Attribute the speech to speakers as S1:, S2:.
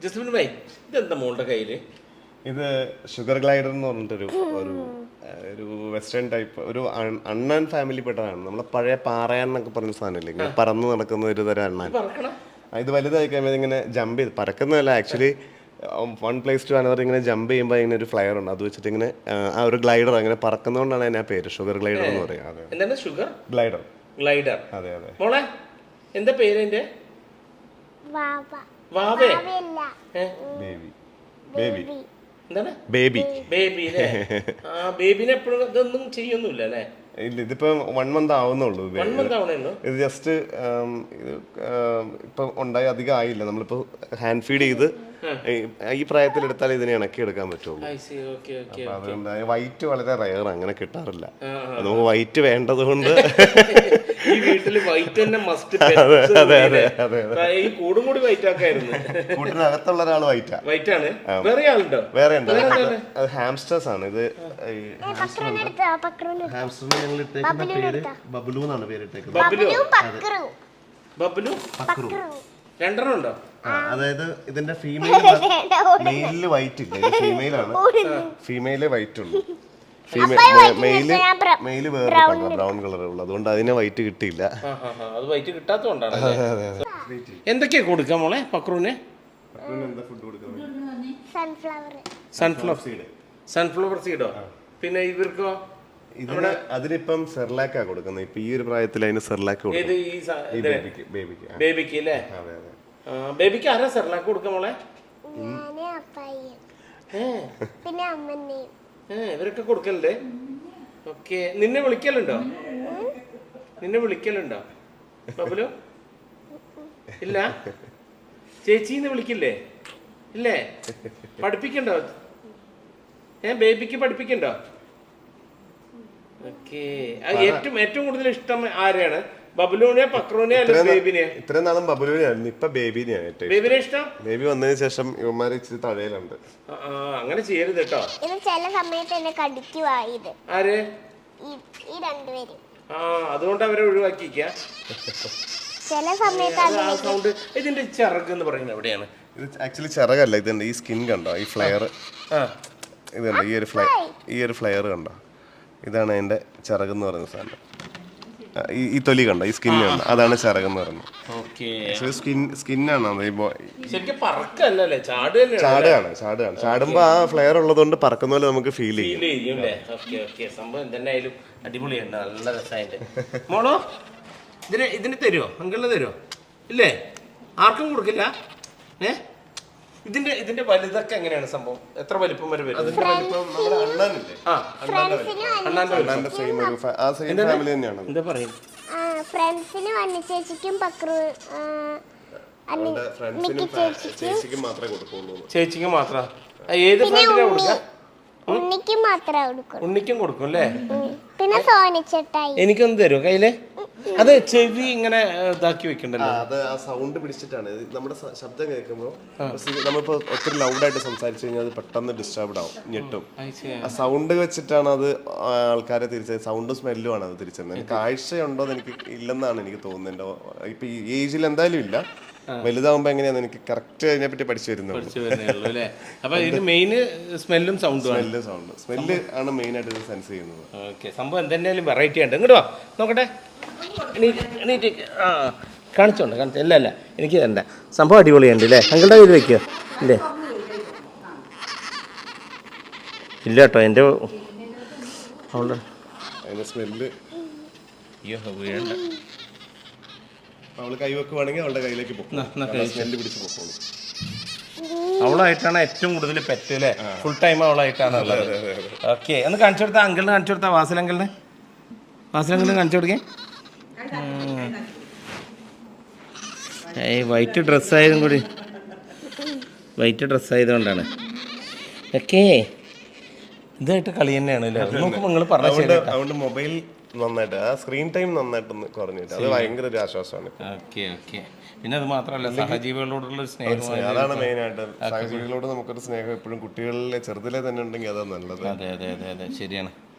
S1: Jasmine bhai ഇതെന്താ മോളുടെ കയ്യില്?
S2: ഇത് ഷുഗർ ഗ്ലൈഡർ എന്ന് പറഞ്ഞിട്ടൊരു ഒരു ഒരു വെസ്റ്റേൺ ടൈപ്പ് ഒരു അണ്ണാൻ ഫാമിലി പെട്ടതാണ്. നമ്മളെ പഴയ പാറയാൻ എന്നൊക്കെ പറഞ്ഞ സാധനമില്ലേ, ഇങ്ങനെ പറന്ന് നടക്കുന്ന ഒരു തരം അണ്ണാൻ. ഇത് വലുതായി കഴിയുമ്പോൾ ഇങ്ങനെ ജമ്പ് ചെയ്ത് പറക്കുന്നതല്ല, actually one place to another ഇങ്ങനെ ജമ്പ് ചെയ്യുമ്പോൾ ഇങ്ങനെ ഒരു ഫ്ലയർ ഉണ്ട്, അത് വെച്ചിട്ട് ഇങ്ങനെ ആ ഒരു ഗ്ലൈഡർ അങ്ങനെ പറക്കുന്നതുകൊണ്ടാണ് അതിന് ആ പേര് ഷുഗർ ഗ്ലൈഡർ എന്ന് പറയുന്നത്.
S1: എന്താണ് ഷുഗർ
S2: ഗ്ലൈഡർ?
S1: ഗ്ലൈഡർ.
S2: അതെ അതെ.
S1: മോളെ എന്താ പേര്? എന്റെ
S2: ബേബി.
S1: എന്താണ്
S2: ബേബി?
S1: ബേബി അല്ലേ? ആ ബേബിനെ എപ്പോഴും ഇതൊന്നും ചെയ്യൊന്നുമില്ല അല്ലേ?
S2: ഇല്ല, ഇതിപ്പോ 1 മന്ത് ആവുന്നുള്ളൂ. ഇത് ജസ്റ്റ് ഇപ്പൊ ഉണ്ടായി അധികം ആയില്ല. നമ്മളിപ്പോ ഹാൻഡ് ഫീഡ് ചെയ്ത് ഈ പ്രായത്തിൽ എടുത്താൽ ഇതിനെ ഇണക്കി എടുക്കാൻ പറ്റുള്ളൂ. അപ്പൊ അതുകൊണ്ട് വൈറ്റ് വളരെ റയർ, അങ്ങനെ കിട്ടാറില്ല. നമുക്ക് വൈറ്റ് വേണ്ടത് കൊണ്ട്
S1: ഈ വീട്ടില് വൈറ്റ് തന്നെ മസ്റ്റ്. കൂടും കൂടി വൈറ്റ് ആക്കായിരുന്നു.
S2: കൂട്ടിനകത്തുള്ള ഒരാൾ വൈറ്റാ.
S1: വൈറ്റ് ആണ്. വേറെ ആളുണ്ടോ?
S2: വേറെ ഉണ്ട്. അത് ഹാംസ്റ്റേഴ്സ് ആണ്. ഇത് ഹാംസ്റ്ററിന് ഞങ്ങൾ ഇട്ടേക്കുന്ന പേര് ബബ്ലു എന്നാണ് പേരിട്ടേക്കുന്നത്.
S1: ബബ്ലു രണ്ടെണ്ണം ഉണ്ടോ?
S2: അതായത് ഇതിന്റെ മെയിലില് വൈറ്റ് ഇല്ല, ഇത് ഫീമെയിലാണ്. ഫീമെയിലേ വൈറ്റ് ഉള്ളൂ. മെയില് വേറെ ബ്രൗൺ കളർ ഉള്ളു, അതുകൊണ്ട് അതിനെ വൈറ്റ് കിട്ടിയില്ല.
S1: അത് വൈറ്റ് കിട്ടാത്തതുകൊണ്ടാണ്. എന്തൊക്കെയാ കൊടുക്കാം മോളെ പക്രൂന്? സൺഫ്ലവർ സീഡോ? പിന്നെ ഇവർക്കോ?
S2: അതിനിപ്പം സെർലാക്കാ കൊടുക്കുന്നത്. ഇപ്പൊ ഈ ഒരു പ്രായത്തിൽ അതിന് സെർലാക്ക്
S1: ബേബിക്ക് അല്ലേ? ബേബിക്ക് ആരാ സെർലാക്ക് കൊടുക്കാം മോളെ? ഇവരൊക്കെ കൊടുക്കലുണ്ട്. ഓക്കെ. നിന്നെ വിളിക്കലുണ്ടോ? ബബുലു? ഇല്ല. ചേച്ചിന്ന് വിളിക്കില്ലേ? ഇല്ലേ? പഠിപ്പിക്കണ്ടോ? ബേബിക്ക് പഠിപ്പിക്കണ്ടോ? ഓക്കെ. ഏറ്റവും കൂടുതൽ ഇഷ്ടം ആരെയാണ്? ബബുലുവിനെ, പക്രൂനെ, ബേബിനെ?
S2: ഇത്രയും നാളും ബബുലുവിനെയായിരുന്നു, ഇപ്പൊ ബേബിനെയാണ് ഏറ്റവും.
S1: ബേബിനെ ഇഷ്ടം?
S2: ബേബി വന്നതിന് ശേഷം ഇവന്മാര് ഇച്ചിരി തഴയിലുണ്ട്.
S1: അങ്ങനെ ചെയ്യരുത് കേട്ടോ.
S3: ചില സമയത്ത് എന്നെ കടിക്കുവാ ഇത്.
S1: ആര്?
S3: ഈ രണ്ടുപേരും.
S1: അതുകൊണ്ട് അവരെ ഒഴിവാക്കിക്ക.
S3: ചില സമയത്ത്
S1: സൗണ്ട്. ഇതിന്റെ ചിറക് എന്ന് പറയുന്നത് എവിടെയാണ്?
S2: ഇത് ആക്ച്വലി ചിറകല്ല, ഇതുണ്ട് ഈ സ്കിൻ കണ്ടോ, ഈ ഫ്ലെയർ. ഇതുണ്ട് ഈ ഒരു ഫ്ലെയർ കണ്ടോ, ഇതാണ് അതിന്റെ ചിറകെന്ന് പറയുന്ന സാധനം. ഈ തൊലി കണ്ടോ, ഈ സ്കിൻ കണ്ടോ, അതാണ് ചിറകെന്ന് പറയുന്നത്. സ്കിന്നാണ്. ചാടുമ്പോ ആ ഫ്ലെയർ ഉള്ളതുകൊണ്ട് പറക്കുന്ന പോലെ നമുക്ക് ഫീൽ ചെയ്യും.
S1: സംഭവം എന്തായാലും അടിപൊളിയാണ്, നല്ല രസമായിട്ട്. മോളോ ഇതിന് തരുമോ? അങ്കിളിന് തരുമോ? ഇല്ലേ? ആർക്കും കൊടുക്കില്ല? ഇതിന്റെ വലുതൊക്കെ എങ്ങനെയാണ് സംഭവം? എത്ര വലിപ്പം വരെ വരും? എന്താ പറയും?
S3: ഫ്രണ്ട്സിന് വന്നിച്ചേച്ചിക്കും
S1: ചേച്ചിക്കും മാത്രം. ഏത് ഫ്രണ്ടിനാ കൊടുക്കുക?
S3: ഉണ്ണിക്കും
S1: കൊടുക്കും അല്ലേ?
S3: പിന്നെ സോനിച്ചേട്ടായി
S1: എനിക്കൊന്ന് തരുമോ കയ്യില്? അത് ചെവി ഇങ്ങനെ ഇതാക്കി വെക്കണ്ടല്ലോ.
S2: അത് ആ സൗണ്ട് പിടിച്ചിട്ടാണ്. നമ്മുടെ ശബ്ദം കേൾക്കുമ്പോൾ നമ്മളിപ്പോ ഒത്തിരി ലൗഡായിട്ട് സംസാരിച്ചു കഴിഞ്ഞാൽ അത് പെട്ടെന്ന് ഡിസ്റ്റർബ്ഡ് ആവും, ഞെട്ടും. ആ സൗണ്ട് വെച്ചിട്ടാണ് അത് ആൾക്കാരെ തിരിച്ചത്. സൗണ്ടും സ്മെല്ലും ആണ് അത് തിരിച്ചത്. കാഴ്ചയുണ്ടോ എന്ന് എനിക്ക് ഇല്ലെന്നാണ് എനിക്ക് തോന്നുന്നത്. ഇപ്പൊ ഈ ഏജിൽ എന്തായാലും ഇല്ല, വലുതാവുമ്പോ എങ്ങനെയാന്ന് എനിക്ക് കറക്റ്റ് അതിനെ പറ്റി പഠിച്ചു വരുന്നുള്ളൂ. സ്മെല്ല് ആണ് മെയിൻ ആയിട്ട് ഇത് സെൻസ് ചെയ്യുന്നത്.
S1: സംഭവം എന്തെങ്കിലും വെറൈറ്റി ഉണ്ട്. ഇങ്ങോട്ട് വാ നോക്കട്ടെ. കാണിച്ചോണ്ട് അല്ല എനിക്ക് തരണ്ട. സംഭവം അടിപൊളിയുണ്ട് അല്ലേ? അങ്കിളുടെ കയ്യിൽ വെക്കുക ഇല്ലേ? ഇല്ല കേട്ടോ, എൻ്റെ
S2: അതിന്റെ സ്മെല്ല്
S1: വീഴണ്ട.
S2: അവള് കൈ വെക്കുവാണെങ്കിൽ അവളുടെ കയ്യിലേക്ക് സ്മെല്ല് പിടിച്ച് പൊക്കോളൂ.
S1: അവളായിട്ടാണ് ഏറ്റവും കൂടുതൽ പെറ്റ് അല്ലേ? ഫുൾ ടൈം അവളായിട്ടാണ് ഉള്ളത്. ഓക്കെ, ഒന്ന് കാണിച്ചു കൊടുത്താ, അങ്കിളിന് കാണിച്ചു കൊടുത്താ, വാസലങ്കിളിന് കാണിച്ചു കൊടുക്കേ. വൈറ്റ് ഡ്രസ്സായതുകൊണ്ടാണ്. ഓക്കെ, ഇതായിട്ട് കളി തന്നെയാണ് അല്ലേ? നോക്കുമ്പോൾ നിങ്ങൾ
S2: അതുകൊണ്ട് മൊബൈൽ നന്നായിട്ട് ആ സ്ക്രീൻ ടൈം നന്നായിട്ടൊന്ന് കുറഞ്ഞിട്ട് അത് ഭയങ്കര ഒരു ആശ്വാസമാണ്.
S1: പിന്നെ അത് മാത്രമല്ല സഹജീവികളോടുള്ള സ്നേഹം,
S2: അതാണ് മെയിൻ ആയിട്ട്. സഹജീവികളോട് നമുക്കൊരു സ്നേഹം എപ്പോഴും കുട്ടികളിലെ ചെറുതിലെ തന്നെ ഉണ്ടെങ്കിൽ അതാണ് നല്ലത്.
S1: അതെ ശരിയാണ്.